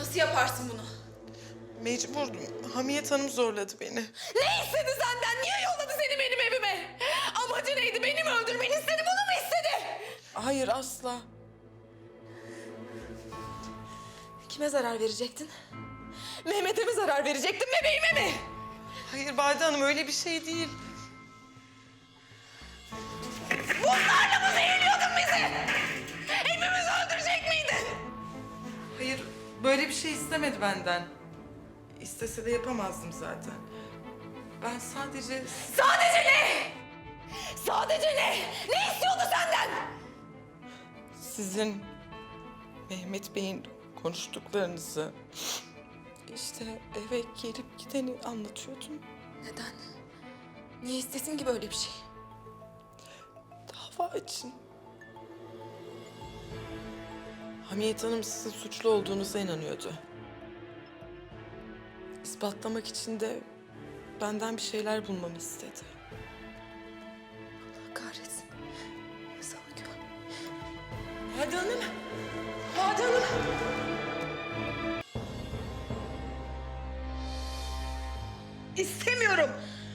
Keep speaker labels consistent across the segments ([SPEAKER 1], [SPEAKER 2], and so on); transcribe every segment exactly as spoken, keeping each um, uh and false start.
[SPEAKER 1] Nasıl yaparsın bunu?
[SPEAKER 2] Mecburdum. Hamiyet Hanım zorladı beni.
[SPEAKER 1] Ne istedi senden? Niye yolladı seni benim evime? Amacı neydi? Beni mi öldürmeni istedi? Bunu mu istedi?
[SPEAKER 2] Hayır, asla.
[SPEAKER 1] Kime zarar verecektin? Mehmet'e mi zarar verecektin? Bebeğime mi?
[SPEAKER 2] Hayır Bade Hanım, öyle bir şey değil.
[SPEAKER 1] Bunlarla mı zehirliyordun bizi? Hepimizi öldürecek miydin?
[SPEAKER 2] Hayır, böyle bir şey istemedi benden. İstese de yapamazdım zaten. Ben sadece...
[SPEAKER 1] Sadece ne? Sadece ne? Ne istiyordu senden?
[SPEAKER 2] Sizin Mehmet Bey'in konuştuklarınızı, işte eve gelip gideni anlatıyordum.
[SPEAKER 1] Neden? Niye istesin ki böyle bir şey?
[SPEAKER 2] Dava için. Hamiyet Hanım sizin suçlu olduğunuza inanıyordu. İspatlamak için de benden bir şeyler bulmamı istedi.
[SPEAKER 1] Allah kahretsin. Sana güven.
[SPEAKER 2] Bade Hanım! Bade Hanım! İstemiyorum!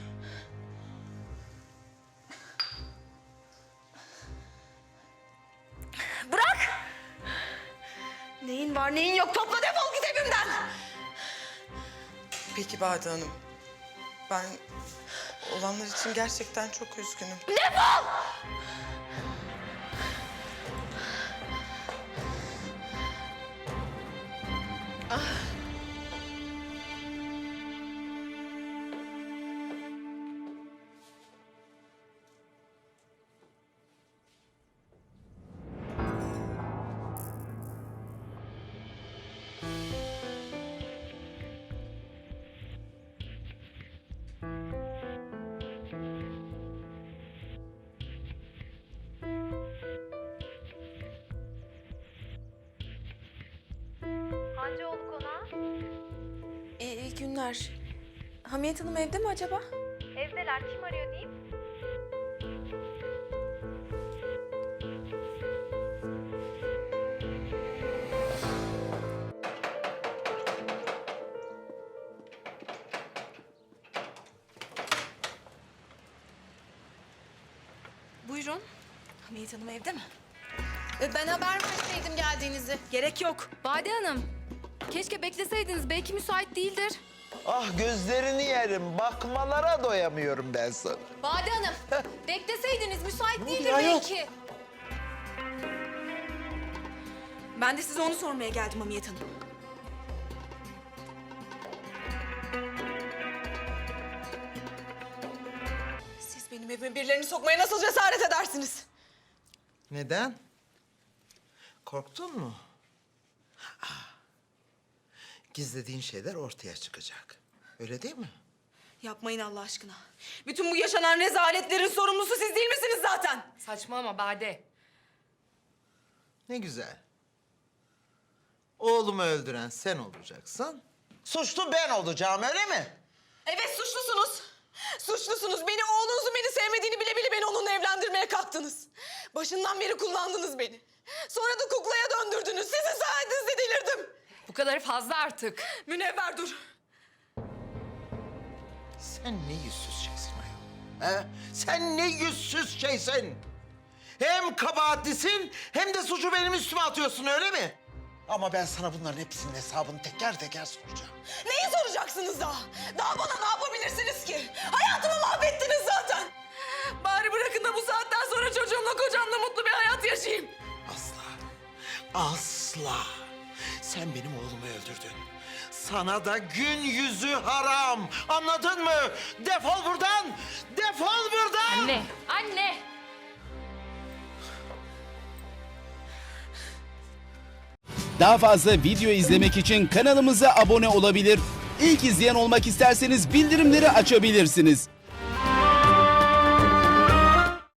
[SPEAKER 1] Bırak! Neyin var neyin yok topla defol git evimden!
[SPEAKER 2] Peki Bade Hanım. Ben olanlar için gerçekten çok üzgünüm.
[SPEAKER 1] Defol!
[SPEAKER 3] Hancıoğlu konağı.
[SPEAKER 1] İyi, iyi günler. Hamiyet Hanım evde mi acaba?
[SPEAKER 3] Evdeler. Kim arıyor diyeyim?
[SPEAKER 1] Buyurun. Hamiyet Hanım evde mi?
[SPEAKER 4] E, Ben haber verseydim geldiğinizi.
[SPEAKER 1] Gerek yok.
[SPEAKER 3] Bade Hanım. Keşke bekleseydiniz. Belki müsait değildir.
[SPEAKER 5] Ah gözlerini yerim. Bakmalara doyamıyorum ben sana.
[SPEAKER 3] Bade Hanım. Bekleseydiniz müsait değildir
[SPEAKER 5] oluyor?
[SPEAKER 3] belki.
[SPEAKER 1] Ben de size onu sormaya geldim Hamiyet Hanım. Siz benim evime birilerini sokmaya nasıl cesaret edersiniz?
[SPEAKER 5] Neden? Korktun mu? Ah, gizlediğin şeyler ortaya çıkacak. Öyle değil mi?
[SPEAKER 1] Yapmayın Allah aşkına. Bütün bu yaşanan rezaletlerin sorumlusu siz değil misiniz zaten?
[SPEAKER 4] Saçmalama Bade.
[SPEAKER 5] Ne güzel. Oğlumu öldüren sen olacaksın. Suçlu ben olacağım, öyle mi?
[SPEAKER 1] Evet suçlusunuz. Suçlusunuz. Beni oğlunuzun beni sevmediğini bile bile beni onunla evlendirmeye kalktınız. Başından beri kullandınız beni. Sonra da kuklaya döndürdünüz. Sizin sayenizde delirdim.
[SPEAKER 4] Bu kadar fazla artık.
[SPEAKER 1] Münevver dur.
[SPEAKER 5] Sen ne yüzsüz şeysin ayol. He? Sen ne yüzsüz şeysin. Hem kabahatlisin hem de suçu benim üstüme atıyorsun, öyle mi? Ama ben sana bunların hepsinin hesabını teker teker soracağım.
[SPEAKER 1] Neyi soracaksınız daha? Daha bana ne yapabilirsiniz ki? Hayatımı mahvettiniz zaten. Bari bırakın da bu saatten sonra çocuğumla kocamla mutlu bir hayat yaşayayım.
[SPEAKER 5] Asla. Asla. Sen benim oğlumu öldürdün. Sana da gün yüzü haram. Anladın mı? Defol buradan. Defol buradan.
[SPEAKER 3] Anne. Anne.
[SPEAKER 6] Daha fazla video izlemek için kanalımıza abone olabilir. İlk izleyen olmak isterseniz bildirimleri açabilirsiniz.